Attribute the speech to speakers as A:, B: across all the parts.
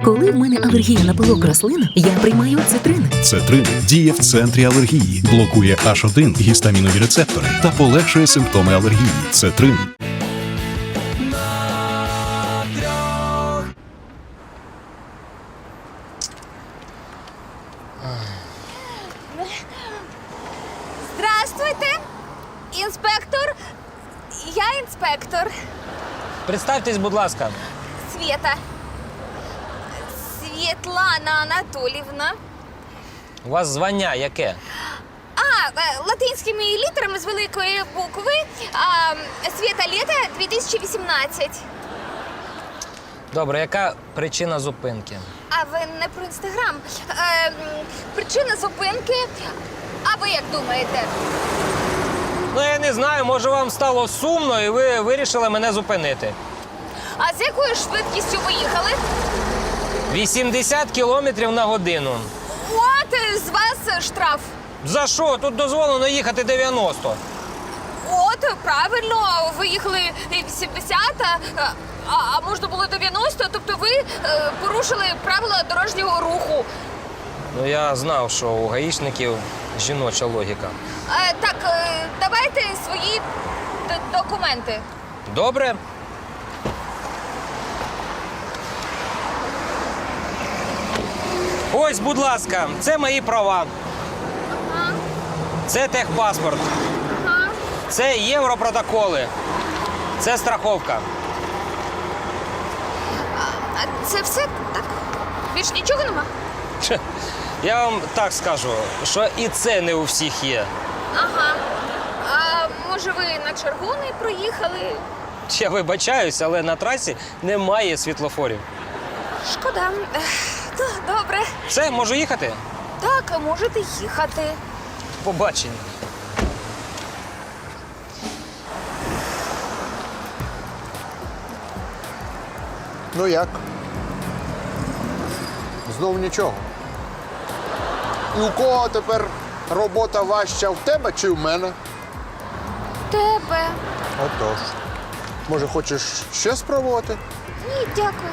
A: Коли в мене алергія на пилок рослин, я приймаю цитрин.
B: Цетрин діє в центрі алергії, блокує H1 гістамінові рецептори та полегшує симптоми алергії. Цетрин.
C: Здравствуйте, інспектор. Я інспектор.
D: Представтесь, будь ласка.
C: Свєта. Світлана Анатолівна.
D: У вас звання яке?
C: Латинськими літерами з великої букви. Свєта літа 2018.
D: Добре, яка причина зупинки?
C: А ви не про інстаграм. Причина зупинки. А ви як думаєте?
D: Ну, я не знаю, може вам стало сумно і ви вирішили мене зупинити.
C: А з якою швидкістю ви їхали?
D: 80 кілометрів на годину.
C: От з вас штраф.
D: За що? Тут дозволено їхати 90.
C: От, правильно, ви їхали 80, а можна було 90, тобто ви порушили правила дорожнього руху.
D: Ну, я знав, що у гаїшників жіноча логіка.
C: Так, давайте свої документи.
D: Добре? Ось, будь ласка, це мої права.
C: Ага,
D: Це техпаспорт.
C: ага.
D: Це європротоколи. Це страховка.
C: А це все так? Більш нічого нема?
D: Че, я вам так скажу, що і це не у всіх є.
C: Ага. А може ви на червоний проїхали?
D: Я вибачаюсь, але на трасі немає світлофорів.
C: Шкода. Добре.
D: Все, можу їхати?
C: Так, можете їхати.
D: Побачення.
E: Ну як? Знов нічого. І у кого тепер робота важча, в тебе чи в мене?
C: Тебе.
E: Отож. Може, хочеш ще спробувати?
C: Ні, дякую.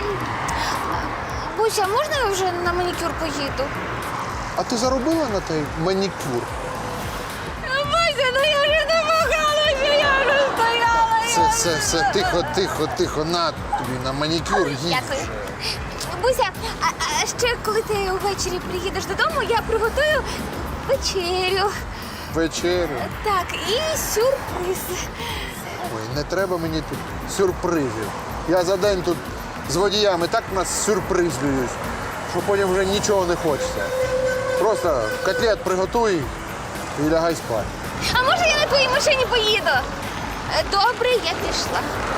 C: Буся, можна я вже на манікюр поїду?
E: А ти заробила на той манікюр?
C: Буся, ну я вже намагалася, я вже стояла.
E: Все, тихо, на тобі на манікюр їдь.
C: Дякую. Буся, а ще коли ти ввечері приїдеш додому, я приготую вечерю.
E: Вечерю.
C: Так, і сюрприз.
E: Ой, не треба мені тут сюрпризів. Я за день тут з водіями так нас сюрпризлюють, що потім вже нічого не хочеться. Просто котлет приготуй і лягай спати.
C: А може я на твоїй машині поїду? Добре, я пішла.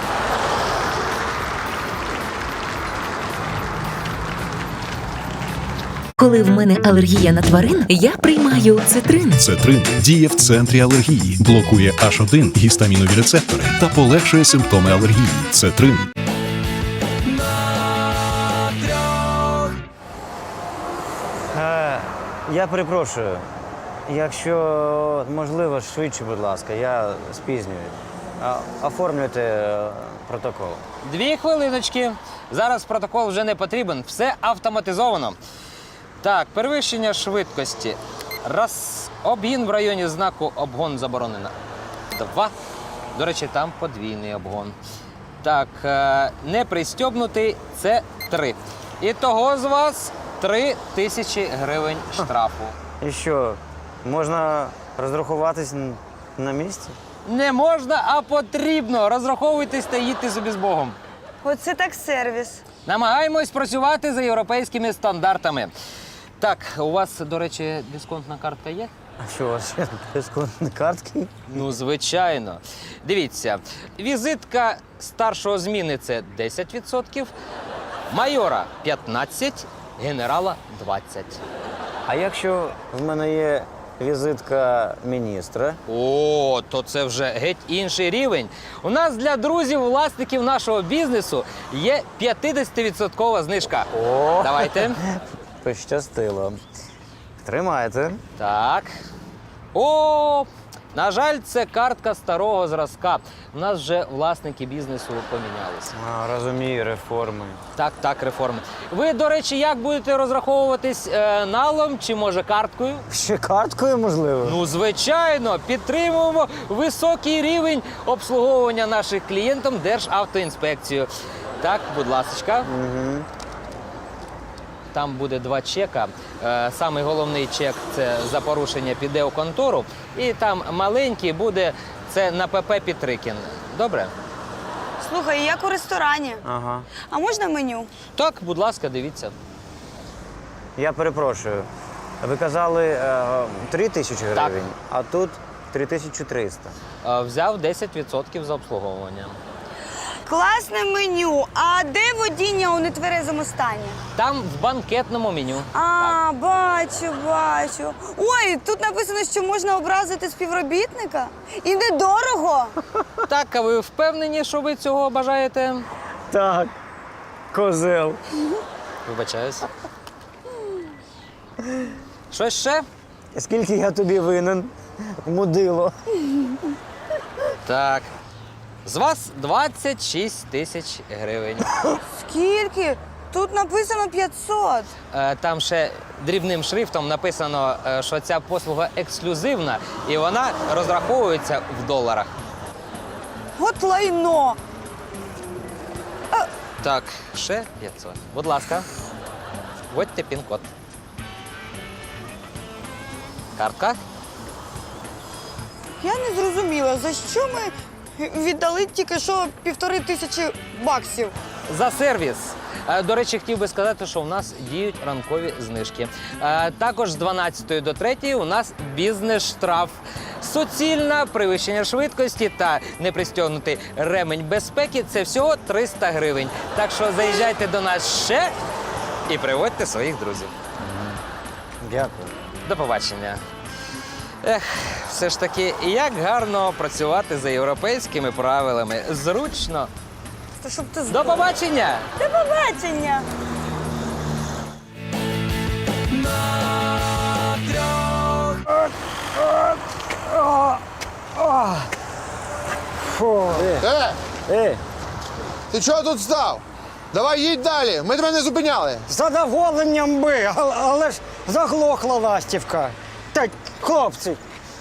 A: Коли в мене алергія на тварин, я приймаю цитрин.
B: Цетрин діє в центрі алергії, блокує H1 гістамінові рецептори та полегшує симптоми алергії. Цетрин.
F: Я перепрошую. Якщо можливо, швидше, будь ласка, я спізнююсь. Оформлюйте протокол.
D: 2 хвилиночки. Зараз протокол вже не потрібен. Все автоматизовано. Так, перевищення швидкості. 1. Обгін в районі знаку «Обгон заборонено». 2. До речі, там подвійний обгон. Так, не пристьобнутий – це 3. Ітого з вас 3000 гривень штрафу.
F: І що, можна розрахуватись на місці?
D: Не можна, а потрібно. Розраховуйтесь та їдьте собі з Богом.
G: Оце так сервіс.
D: Намагаємось працювати за європейськими стандартами. Так, у вас, до речі, дисконтна картка є?
F: А що, у вас ще дисконтні картки?
D: Ну, звичайно. Дивіться, візитка старшого зміни – це 10%, майора – 15%, генерала – 20%.
F: А якщо в мене є візитка міністра?
D: О, то це вже геть інший рівень. У нас для друзів-власників нашого бізнесу є 50% знижка.
F: О!
D: Давайте.
F: Пощастило. Тримайте.
D: Так. О, На жаль, це картка старого зразка. У нас вже власники бізнесу помінялися.
F: Розумію, реформи.
D: Так, реформи. Ви, до речі, як будете розраховуватись налом чи, може, карткою?
F: Ще карткою, можливо?
D: Ну, звичайно, підтримуємо високий рівень обслуговування наших клієнтів Державтоінспекцією. Так, будь ласочка. Там буде 2 чека. Самий головний чек – це за порушення піде у контору. І там маленький буде – це на ПП Петрикін. Добре?
G: Слухай, як у ресторані.
F: Ага.
G: А можна меню?
D: Так, будь ласка, дивіться.
F: Я перепрошую. Ви казали 3 тисячі гривень, а тут 3300.
D: Взяв 10% за обслуговування.
G: Класне меню. А де водіння у нетверезому стані?
D: Там в банкетному меню.
G: А, бачу. Ой, тут написано, що можна образити співробітника. І недорого.
D: Так, а ви впевнені, що ви цього бажаєте?
F: Так, козел.
D: Вибачаюсь. Щось ще?
F: Скільки я тобі винен, мудило?
D: Так. З вас 26 тисяч гривень.
G: Скільки? Тут написано 500.
D: Там ще дрібним шрифтом написано, що ця послуга ексклюзивна і вона розраховується в доларах.
G: От лайно.
D: Так, ще 500. Будь ласка, вводьте пін-код. Картка?
G: Я не зрозуміла, за що ми віддали тільки що 1500 баксів.
D: За сервіс. До речі, хотів би сказати, що у нас діють ранкові знижки. Також з 12 до 3 у нас бізнес-штраф. Суцільне перевищення швидкості та непристягнутий ремень безпеки – це всього 300 гривень. Так що заїжджайте до нас ще і приводьте своїх друзів.
F: Дякую.
D: До побачення. Ех, все ж таки, як гарно працювати за європейськими правилами. Зручно.
G: Та щоб ти
D: До
G: знав.
D: побачення!
G: До побачення.
E: Ти чого тут став? Давай їдь далі, ми тебе не зупиняли.
H: З задоволенням би, але ж заглохла ластівка. Та, хлопці,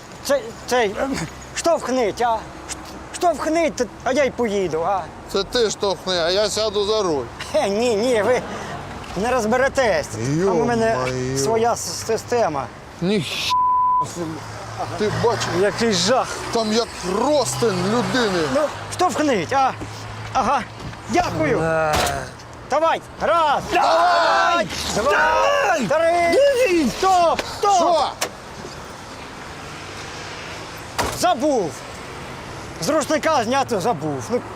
H: штовхніть, а? Штовхніть, а я й поїду, а?
E: Це ти штовхни, а я сяду за руль.
H: Ні, ви не розберетесь. А у мене
E: Йо-моє.
H: своя система.
E: Ні. Ти бачиш,
H: Який жах.
E: там як ростин людини.
H: Ну, штовхніть, а? Ага, дякую. Давай, раз. Давай! Два, три. Стоп, стоп.
E: Що?
H: Забув. З рушника зняти забув. Ну,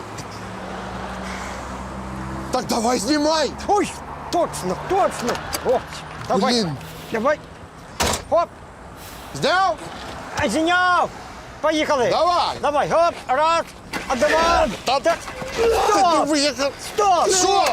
E: Так давай знімай.
H: ой, точно. О, давай.
E: Блін.
H: Давай. Хоп,
E: Зняв?
H: зняв. Поїхали.
E: Давай.
H: Давай, хоп, раз, а два.
E: Та
H: Так.
E: ти
H: Стоп,
E: виїхав.
H: стоп.
E: Що?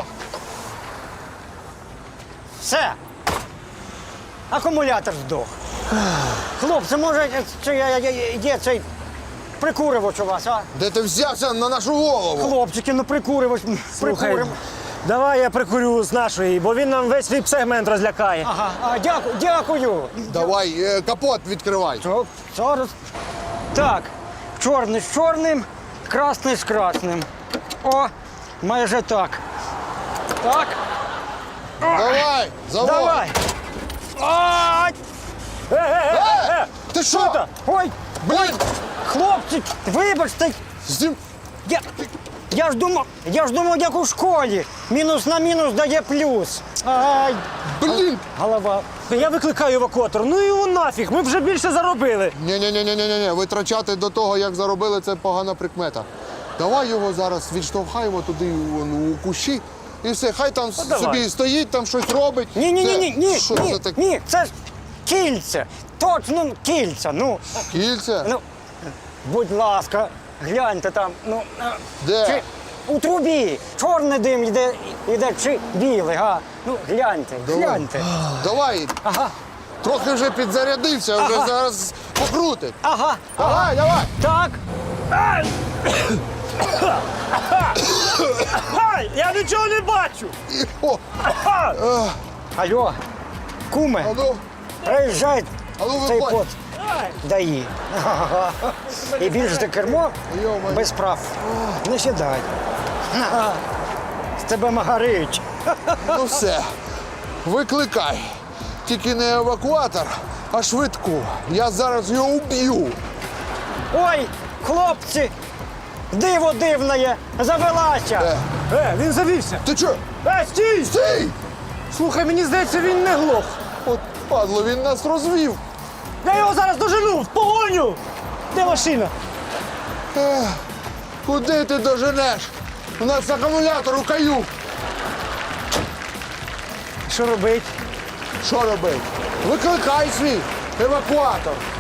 H: Все. Акумулятор здох. Хлопці, може, є цей прикуривач у вас, а?
E: Де ти взявся на нашу голову?
H: Хлопчики, ну прикуривач, прикуримо.
I: Давай я прикурю з нашої, бо він нам весь віп-сегмент розлякає.
H: Ага, дякую.
E: Давай, капот відкривай.
H: Зараз. Так, чорний з чорним, красний з красним. О, майже так. Так,
E: Давай, заводь.
H: давай. Ай!
E: Ти що?
H: Ой,
E: Блін,
H: хлопці, вибачте,
E: знім...
H: я ж думав, як у школі. Мінус на мінус дає плюс. Ай,
E: Блін.
H: голова.
I: Я викликаю евакуатор. Ну і його нафіг, ми вже більше заробили.
E: Ні, витрачати до того, як заробили, це погана прикмета. Давай його зараз відштовхаємо туди у кущі і все, хай там
I: давай.
E: собі стоїть, там щось робить.
H: Ні,
E: Що це таке?
H: ні, це ж кільце. Точно кільце. Ну,
E: Кільце?
H: ну, будь ласка, гляньте там. Ну,
E: Де?
H: чи у трубі чорний дим йде чи білий, га? Ну, гляньте.
E: Давай.
H: Ага.
E: Трохи вже підзарядився, вже зараз покрутить.
H: Ага.
E: Давай, давай.
H: Так. Ай! Ай! Я нічого не бачу.
E: О,
H: Алло, куме,
E: а ну,
H: приїжджай
E: а ну
H: цей
E: виходь.
H: кот. Даї. І більше ти кермо
E: Йо-моє.
H: без прав. Не сідай. З тебе магарич.
E: Ну все, викликай. Тільки не евакуатор, а швидку. Я зараз його уб'ю.
H: Ой, хлопці, диво дивне, завелася.
I: Він завівся.
E: Ти чо?
I: Стій!
E: Стій!
I: Слухай, мені здається, він не глох.
E: От падло, він нас розвів.
I: Я його зараз дожену, в погоню! Де машина?
E: Куди ти доженеш? У нас акумулятор у каю.
H: Що робить?
E: Що робити? Викликай свій евакуатор.